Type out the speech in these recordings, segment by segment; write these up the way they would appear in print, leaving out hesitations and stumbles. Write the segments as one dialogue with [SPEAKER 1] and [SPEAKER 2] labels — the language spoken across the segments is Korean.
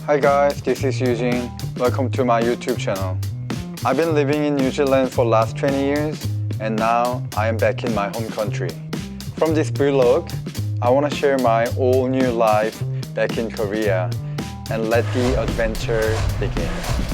[SPEAKER 1] Hi guys, this is Eugene. Welcome to my YouTube channel. I've been living in New Zealand for last 20 years and now I am back in my home country. From this vlog, I want to share my all new life back in Korea and let the adventure begin.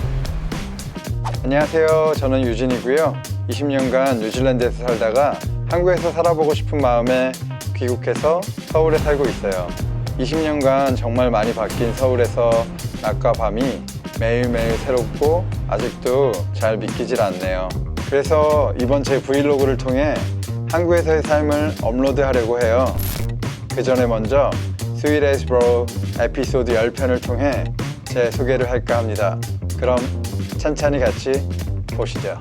[SPEAKER 1] 안녕하세요. 저는 유진이고요. 20년간 뉴질랜드에서 살다가 한국에서 살아보고 싶은 마음에 귀국해서 서울에 살고 있어요. 20년간 정말 많이 바뀐 서울에서 낮과 밤이 매일매일 새롭고 아직도 잘 믿기질 않네요. 그래서 이번 제 브이로그를 통해 한국에서의 삶을 업로드하려고 해요. 그 전에 먼저 Sweet as Bro 에피소드 10편을 통해 제 소개를 할까 합니다. 그럼 찬찬히 같이 보시죠.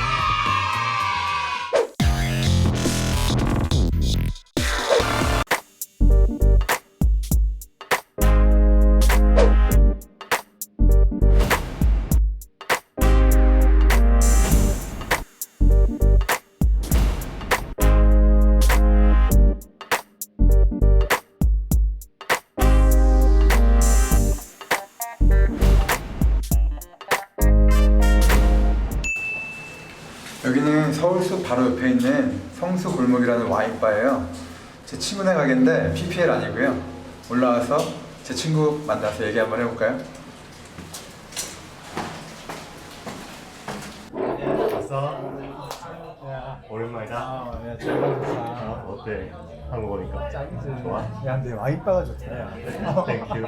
[SPEAKER 1] 여기는 서울숲 바로 옆에 있는 성수 골목이라는 와인바예요. 제 친구네 가게인데 PPL 아니고요. 올라와서 제 친구 만나서 얘기 한번 해볼까요?
[SPEAKER 2] 왔어? 오랜만이다.
[SPEAKER 3] 야, 잘 봤다.
[SPEAKER 2] 어때? 한국 오니까
[SPEAKER 3] 짱이지.
[SPEAKER 2] 좋아?
[SPEAKER 3] 야, 근데 와인바가 좋다.
[SPEAKER 2] 땡큐.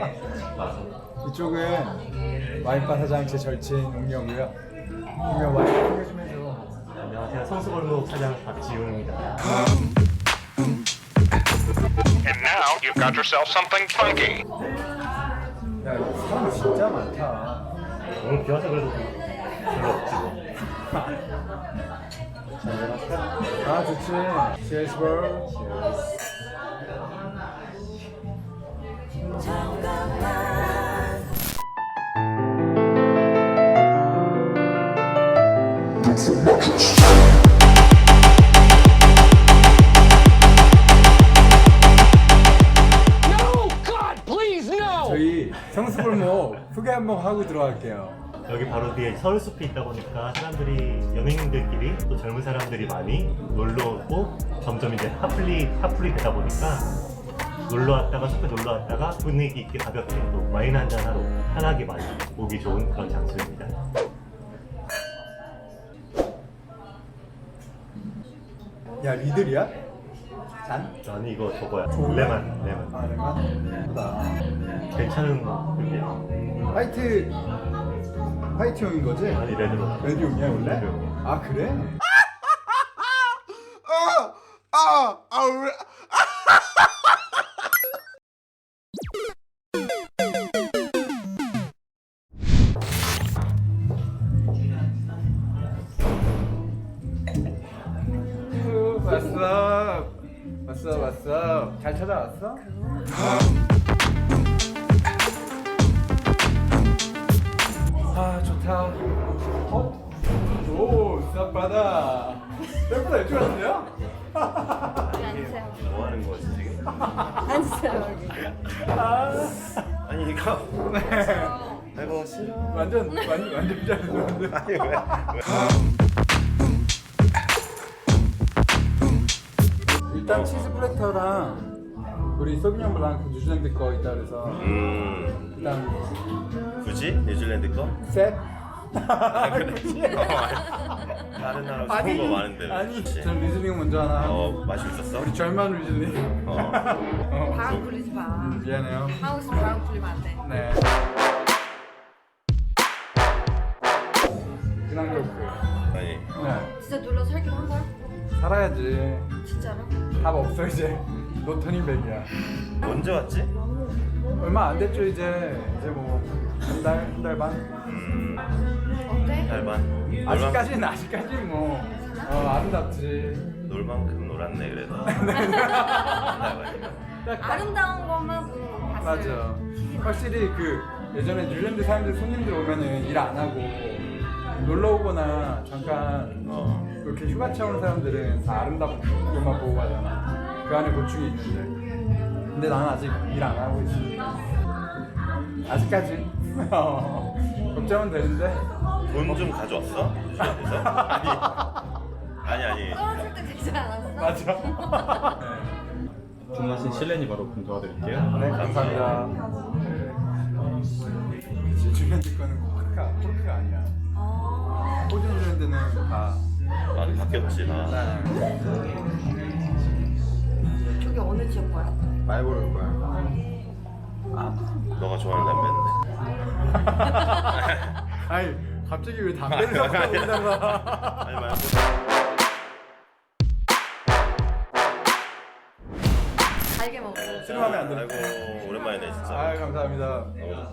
[SPEAKER 3] 이쪽은 와인바 사장 제 절친 웅녀고요. 웅녀 와인 소개 좀 해줘.
[SPEAKER 2] 안녕하세요. 성수골목 사장 박지웅입니다.
[SPEAKER 4] And now you've got yourself something funky.
[SPEAKER 3] 야, 여기 사람 진짜 많다.
[SPEAKER 2] 오늘 비 와서 그래도 별로 없지 뭐.
[SPEAKER 3] 아, 좋지. Cheers, bro. 저희 성수골목 소개 한번 하고 들어갈게요.
[SPEAKER 2] 여기 바로 뒤에 서울숲이 있다 보니까 사람들이 연예인들끼리 또 젊은 사람들이 많이 놀러 오고 점점 이제 핫플이 되다 보니까 놀러 왔다가 숲에 놀러 왔다가 분위기 있게 가볍게 또 와인 한잔 하러 편하게 많이 오기 좋은 그런 장소입니다.
[SPEAKER 3] 야, 리들이야? 잔?
[SPEAKER 2] 아니 이거 저거야.
[SPEAKER 3] 좋은
[SPEAKER 2] 레몬.
[SPEAKER 3] 아, 레몬? 예쁘다.
[SPEAKER 2] 괜찮은 그게
[SPEAKER 3] 화이트용인 거지?
[SPEAKER 2] 아니 레드로.
[SPEAKER 3] 레드용이야 원래?
[SPEAKER 2] 레드용이야.
[SPEAKER 3] 아, 그래? 왔어. 잘 찾아왔어? 아, 좋다. 어? 오, 쌉바다. 예쁘다, 일찍 왔는데요?
[SPEAKER 5] 앉으세요.
[SPEAKER 2] 뭐 하는 거지 지금?
[SPEAKER 5] 앉으세요 여기.
[SPEAKER 2] 아니 이거
[SPEAKER 3] 네.
[SPEAKER 2] 아이고 싫어.
[SPEAKER 3] 완전 잘했는데.
[SPEAKER 2] 아니 왜?
[SPEAKER 3] 일단 치즈 플래터랑 우리 소비뇽 블랑 뉴질랜드 거 있다 그래서 일단
[SPEAKER 2] 굳이 뉴질랜드 거?
[SPEAKER 3] 셋.
[SPEAKER 2] 그래. 다른 나라 좋은 거 많은데 왜?
[SPEAKER 3] 아니,
[SPEAKER 2] 그치?
[SPEAKER 3] 전 리즐링 먼저 하나.
[SPEAKER 2] 맛이 있었어?
[SPEAKER 3] 우리 절만 리즐링.
[SPEAKER 5] 바람 불리지 마.
[SPEAKER 3] 미안해요.
[SPEAKER 5] 하우스 바람 불리면 안 돼.
[SPEAKER 3] 네. 그냥 그렇고.
[SPEAKER 2] 아니
[SPEAKER 3] 네.
[SPEAKER 5] 진짜 놀러 살기로 한 거야?
[SPEAKER 3] 살아야지.
[SPEAKER 5] 진짜로?
[SPEAKER 3] 답 없어 이제. 노턴인백이야.
[SPEAKER 2] 언제 왔지?
[SPEAKER 3] 얼마 안 됐죠 이제 뭐 한 달 반.
[SPEAKER 5] 어때?
[SPEAKER 2] 달반.
[SPEAKER 3] 아직까지는 뭐 아름답지.
[SPEAKER 2] 놀 만큼 놀았네 그래도.
[SPEAKER 5] 아름다운 것만 보고 봤어요.
[SPEAKER 3] 맞아. 확실히 그 예전에 뉴질랜드 사람들 손님들 오면은 일 안 하고 놀러 오거나 잠깐 그렇게 휴가차 오는 사람들은 다 아름답은 것만 보고 가잖아. 그 안에 고충이 있는데. 근데 나는 아직 일 안 하고 있어. 아직까지. 걱정은 되는데
[SPEAKER 6] 돈 좀 가져왔어? 뉴질랜드에서? 아니.
[SPEAKER 5] 떨어질 때 되지 않았어?
[SPEAKER 3] 맞아.
[SPEAKER 7] 주문하신 실내니 바로 도와드릴게요.
[SPEAKER 3] 네, 감사합니다. 그치, 뉴질랜드 거는 코르크가 아니야.
[SPEAKER 5] 아,
[SPEAKER 3] 호주 뉴질랜드는 다.
[SPEAKER 6] 많이 바뀌었지 나.
[SPEAKER 5] 저기 어느 지역 거야?
[SPEAKER 3] 많이 모를 거야.
[SPEAKER 6] 너가 좋아하는 담배인데.
[SPEAKER 3] 아니, 갑자기 왜 담배를 섞어 온다가.
[SPEAKER 6] 아니 말고.
[SPEAKER 5] 달게 먹어.
[SPEAKER 3] 싫어하면 안 돼.
[SPEAKER 6] 아이고 오랜만이네 진짜.
[SPEAKER 3] 아유, 감사합니다.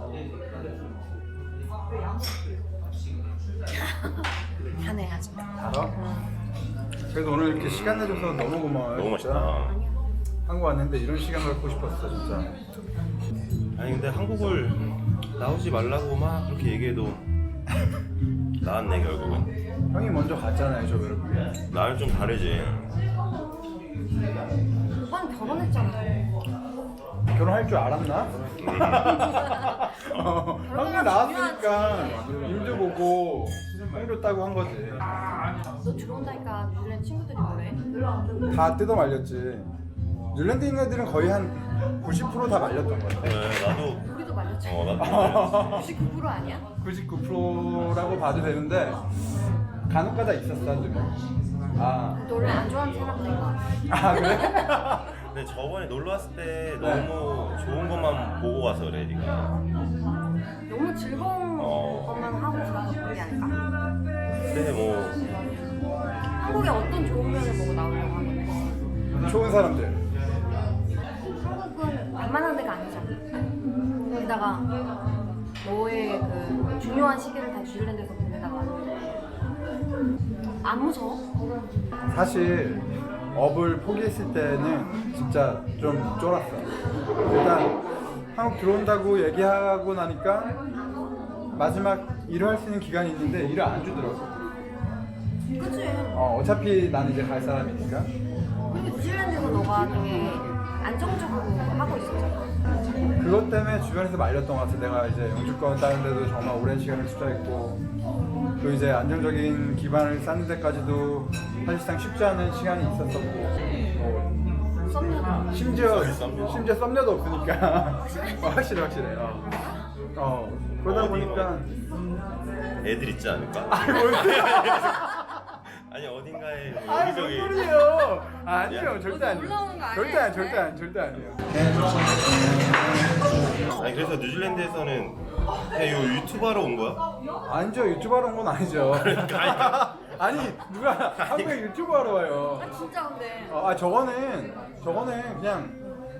[SPEAKER 5] 다네 아직.
[SPEAKER 3] 알아? 그래도 오늘 이렇게 시간 내줘서 너무 고마워요.
[SPEAKER 6] 너무
[SPEAKER 3] 진짜.
[SPEAKER 6] 맛있다.
[SPEAKER 3] 한국 왔는데 이런 시간 갖고 싶었어, 진짜.
[SPEAKER 6] 아니 근데 한국을 나오지 말라고 막 그렇게 얘기해도 나왔네 결국은.
[SPEAKER 3] 형이 먼저 갔잖아요, 저 외롭게.
[SPEAKER 6] 나는 좀 다르지.
[SPEAKER 5] 오빠는 결혼했잖아.
[SPEAKER 3] 결혼할 줄 알았나? 한국에 나왔으니까 일도 보고 형도 따고 한 거지.
[SPEAKER 5] 너 들어온다니까 뉴질랜드 친구들이 뭐래?
[SPEAKER 3] 다 뜯어 말렸지. 뉴질랜드 있는 애들은 거의 한 90%다 말렸던 것 같아.
[SPEAKER 6] 네, 나도.
[SPEAKER 5] 우리도 말렸지.
[SPEAKER 6] 나도.
[SPEAKER 5] 99% 아니야?
[SPEAKER 3] 99%라고 봐도 되는데 간혹가다 있었어, 한 두 명.
[SPEAKER 5] 너 원래 안 좋아하는 사람들인 거 같아.
[SPEAKER 3] 아 그래?
[SPEAKER 6] 근데 저번에 놀러 왔을 때 너무 좋은 것만 보고 가서 그래 네가.
[SPEAKER 5] 너무 즐거운 것만 하고 싶어서 그런 게 아닐까?
[SPEAKER 6] 근데 뭐
[SPEAKER 5] 한국의 어떤 좋은 면을 보고 나오려고 하는 거야?
[SPEAKER 3] 좋은 사람들.
[SPEAKER 5] 한국은 웬만한 데가 아니잖아. 거기다가 너의 그 중요한 시기를 다 뉴질랜드에서 보내다가 안 무서워?
[SPEAKER 3] 사실 업을 포기했을 때는 진짜 좀 쫄았어. 일단 한국 들어온다고 얘기하고 나니까 마지막 일을 할 수 있는 기간이 있는데 일을 안 주더라고.
[SPEAKER 5] 그치?
[SPEAKER 3] 어차피 난 이제 갈 사람이니까.
[SPEAKER 5] 그리고 뉴질랜드에서 너가 되게 안정적으로 하고 있었잖아.
[SPEAKER 3] 그것 때문에 주변에서 말렸던 것 같아. 내가 이제 영주권 따는 데도 정말 오랜 시간을 투자했고 또 이제 안정적인 기반을 쌓는 데까지도 사실상 쉽지 않은 시간이 있었었고
[SPEAKER 5] 썸녀다.
[SPEAKER 3] 심지어
[SPEAKER 6] 썸녀.
[SPEAKER 3] 썸녀도 없으니까 확실해. 그러다
[SPEAKER 6] 어디,
[SPEAKER 3] 보니까
[SPEAKER 6] 애들 있지 않을까?
[SPEAKER 3] 뭔
[SPEAKER 6] 아니 어딘가에 뭐
[SPEAKER 3] 뭔
[SPEAKER 6] 여기저기.
[SPEAKER 3] 소리예요? 아니에요, 절대 아니에요.
[SPEAKER 5] 올라오는 거 아니야,
[SPEAKER 3] 절대 아니에요.
[SPEAKER 6] 아니 그래서 뉴질랜드에서는 그냥 요 유튜버로 온 거야?
[SPEAKER 3] 아니죠, 유튜버로 온 건 아니죠. 아니 누가 한국에 유튜브 하러 와요.
[SPEAKER 5] 아 진짜 근데
[SPEAKER 3] 저거는 그냥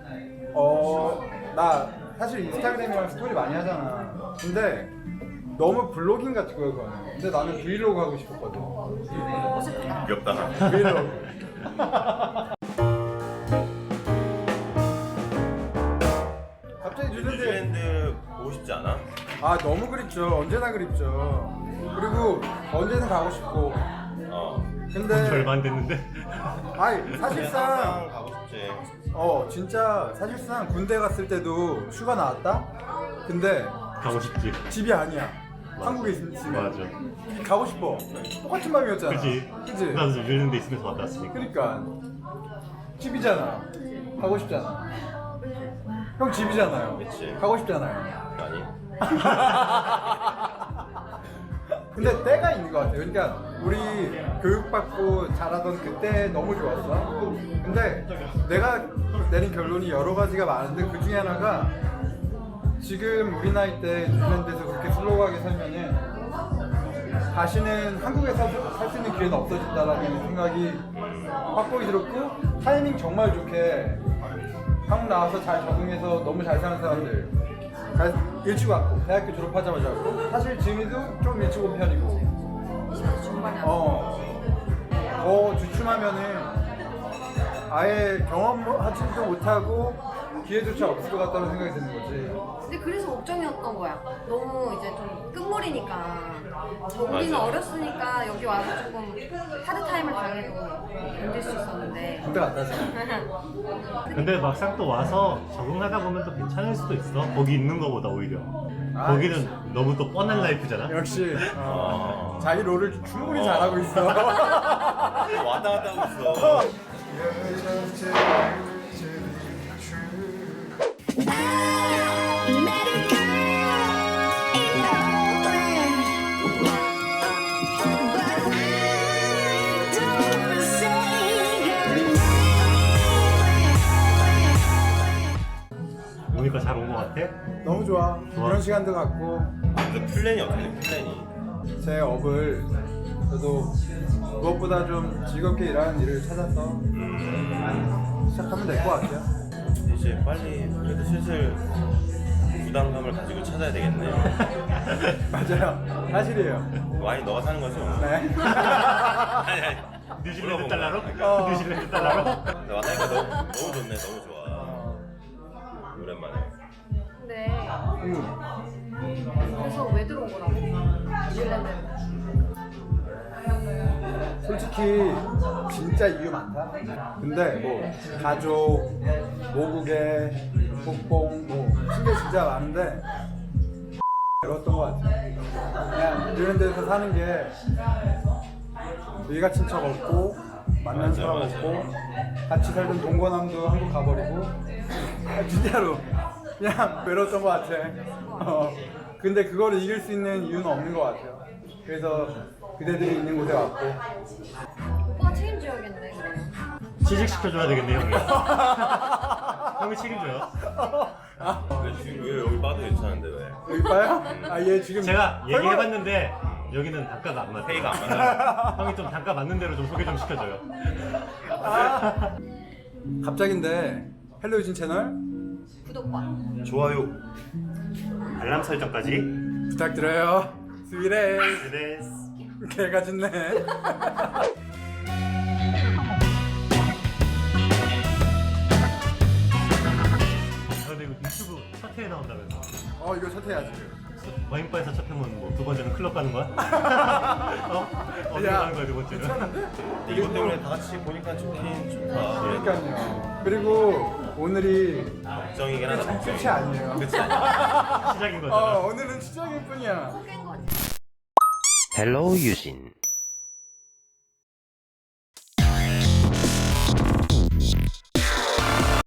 [SPEAKER 3] 나 사실 인스타그램이랑 스토리 많이 하잖아. 근데 너무 블로깅 같은 거야 그거는. 근데 나는 브이로그 하고 싶었거든.
[SPEAKER 6] 귀엽다.
[SPEAKER 3] 브이로그. 갑자기 뉴질랜드
[SPEAKER 6] 뉴질랜드 보고 싶지 않아?
[SPEAKER 3] 너무 그립죠. 언제나 그립죠. 그리고 언제든 가고 싶고. 근데
[SPEAKER 2] 절반 됐는데.
[SPEAKER 3] 사실상
[SPEAKER 6] 항상 가고 싶지.
[SPEAKER 3] 진짜 사실상 군대 갔을 때도 휴가 나왔다? 근데
[SPEAKER 2] 가고 싶지.
[SPEAKER 3] 집이 아니야. 한국에 있으면
[SPEAKER 2] 맞아.
[SPEAKER 3] 가고 싶어. 똑같은 마음이었잖아.
[SPEAKER 2] 그치? 나도 뉴질랜드 있으면서 왔다 왔으니까.
[SPEAKER 3] 그러니까 집이잖아. 가고 싶잖아. 형 집이잖아요.
[SPEAKER 6] 그치.
[SPEAKER 3] 가고 싶잖아요.
[SPEAKER 6] 아니.
[SPEAKER 3] 근데 때가 있는 것 같아요. 그러니까 우리 교육받고 자라던 그때 너무 좋았어. 근데 내가 내린 결론이 여러 가지가 많은데 그 중에 하나가 지금 우리 나이 때 뉴질랜드에서 그렇게 슬로우하게 살면은 다시는 한국에서 살 수 있는 기회는 없어진다라는 생각이 확고히 들었고, 타이밍 정말 좋게 한국 나와서 잘 적응해서 너무 잘 사는 사람들 일찍 왔고 대학교 졸업하자마자 왔고, 사실 지민이도 좀 일찍 온 편이고
[SPEAKER 5] 20대 중반에
[SPEAKER 3] 더 주춤하면은 아예 경험하지도 못하고 기회조차 없을 것 같다는 생각이 드는 거지.
[SPEAKER 5] 근데 그래서 걱정이었던 거야. 너무 이제 좀 끝물이니까. 우리는
[SPEAKER 6] 맞아.
[SPEAKER 5] 어렸으니까 여기 와서 조금 하드 타임을 당해도 견딜 수 있었는데.
[SPEAKER 3] 군대 갔다 왔어.
[SPEAKER 2] 근데 막상 또 와서 적응하다 보면 또 괜찮을 수도 있어. 거기 있는 거보다 오히려.
[SPEAKER 3] 아,
[SPEAKER 2] 거기는 너무 또 뻔한 라이프잖아.
[SPEAKER 3] 역시 자기 롤을 충분히 잘하고 있어.
[SPEAKER 6] 왔다 갔다 하고 있어.
[SPEAKER 2] 오니까 잘 온 것 같아?
[SPEAKER 3] 너무 좋아. 이런 시간도 갖고
[SPEAKER 6] 근데 플랜이 어떻게 돼? 플랜이.
[SPEAKER 3] 제 업을 저도 무엇보다 좀 즐겁게 일하는 일을 찾아서 시작하면 될 것 같아요.
[SPEAKER 6] 이제 빨리 그래도 슬슬 부담감을 가지고 찾아야 되겠네.
[SPEAKER 3] 맞아요. 사실이에요.
[SPEAKER 6] 와인 너가 사는 거죠?
[SPEAKER 3] 네.
[SPEAKER 6] 아니.
[SPEAKER 2] 뉴질랜드 달러로?
[SPEAKER 3] 어.
[SPEAKER 2] 뉴질랜드 달러로?
[SPEAKER 6] 근데 왔다니까 너무 좋네. 너무 좋아. 오랜만에.
[SPEAKER 5] 근데 그래서 왜 들어온 거라고? 뉴질랜드.
[SPEAKER 3] 솔직히 진짜 이유 많다. 근데 뭐 가족, 모국의 국뽕, 뭐 신경 진짜 많은데 어떤 것 같아. 그냥 이런 데서 사는 게 일가 친척 없고 만난
[SPEAKER 6] 맞아,
[SPEAKER 3] 사람
[SPEAKER 6] 맞아.
[SPEAKER 3] 없고 같이 살던 동거남도 한국 가버리고 진짜로 그냥 외로웠던 것 같아. 근데 그거를 이길 수 있는 이유는 없는 것 같아요. 그래서 그대들이 있는 곳에 왔고
[SPEAKER 5] 오빠가 책임져야겠네 그러면.
[SPEAKER 2] 취직시켜줘야 되겠네 형이. 형이 책임져요.
[SPEAKER 6] 왜 지금 왜 여기 빠도 괜찮은데 왜?
[SPEAKER 3] 여기 봐요? 아 얘 지금
[SPEAKER 2] 제가
[SPEAKER 3] 설마-
[SPEAKER 2] 얘기해봤는데 여기는 단가가 안 맞아.
[SPEAKER 6] 페이가 안 맞아.
[SPEAKER 2] 형이 좀 단가 맞는 대로 좀 소개 좀 시켜줘요.
[SPEAKER 3] 갑자기인데 헬로 유진 채널
[SPEAKER 5] 구독과
[SPEAKER 6] 좋아요.
[SPEAKER 2] 알람 설정까지.
[SPEAKER 3] 부탁드려요. 스위레
[SPEAKER 2] 그레스.
[SPEAKER 3] 개가 짖네.
[SPEAKER 2] 근데 이거 유튜브 첫 회에 나온다면서.
[SPEAKER 3] 이거 첫 해야지.
[SPEAKER 2] 와인바에서 첫 회면 뭐 두 번째는 클럽 가는 거야? 어디
[SPEAKER 3] 야,
[SPEAKER 2] 가는 거야 두 번째는?
[SPEAKER 6] 근데 이것 때문에 다 같이 보니까 좋긴 좋다.
[SPEAKER 3] 그러니까요. 그리고 오늘이
[SPEAKER 6] 걱정이긴 하다. 걱정이.
[SPEAKER 3] 끝이 아니에요.
[SPEAKER 6] 끝이 아니야.
[SPEAKER 2] 시작인 거잖아.
[SPEAKER 3] 오늘은 시작일 뿐이야.
[SPEAKER 5] 깬 거지.
[SPEAKER 8] 헬로 유진